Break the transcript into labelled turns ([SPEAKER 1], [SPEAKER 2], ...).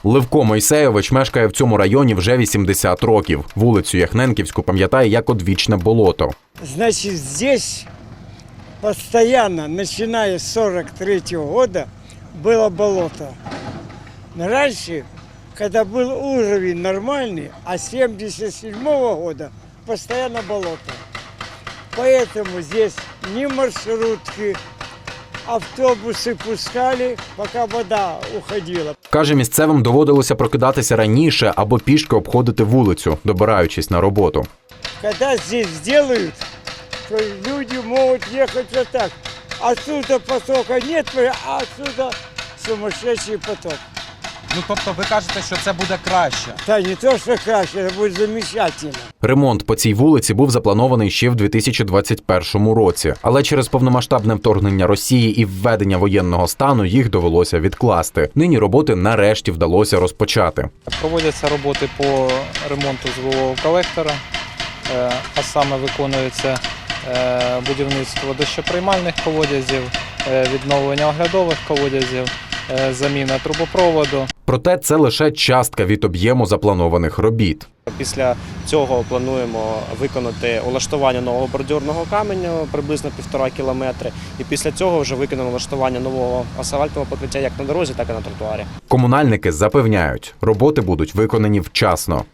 [SPEAKER 1] Левко Мойсейович мешкає в цьому районі вже 80 років. Вулицю Яхненківську пам'ятає як одвічне болото.
[SPEAKER 2] Значит, здесь постоянно, начиная с 43-го года, было болото. Но раньше, когда был уровень нормальный, а с 77-го года постоянно болото. Поэтому здесь ни маршрутки, автобусы пускали, пока вода уходила.
[SPEAKER 1] Каже, місцевим доводилося прокидатися раніше або пішки обходити вулицю, добираючись на роботу.
[SPEAKER 2] Когда здесь сделают, то люди могут ехать вот так. Отсюда потока нет, а отсюда сумасшедший поток.
[SPEAKER 3] Ну, тобто ви кажете, що це буде краще?
[SPEAKER 2] Да не то, что краще, это будет замечательно.
[SPEAKER 1] Ремонт по цій вулиці був запланований ще в 2021 році. Але через повномасштабне вторгнення Росії і введення воєнного стану їх довелося відкласти. Нині роботи нарешті вдалося розпочати.
[SPEAKER 4] Проводяться роботи по ремонту звукового колектора, а саме виконується будівництво дощоприймальних колодязів, відновлення оглядових колодязів, заміна трубопроводу.
[SPEAKER 1] Проте це лише частка від об'єму запланованих робіт.
[SPEAKER 5] Після цього плануємо виконати улаштування нового бордюрного каменю приблизно 1,5 кілометри. І після цього вже виконано улаштування нового асфальтового покриття як на дорозі, так і на тротуарі.
[SPEAKER 1] Комунальники запевняють, роботи будуть виконані вчасно.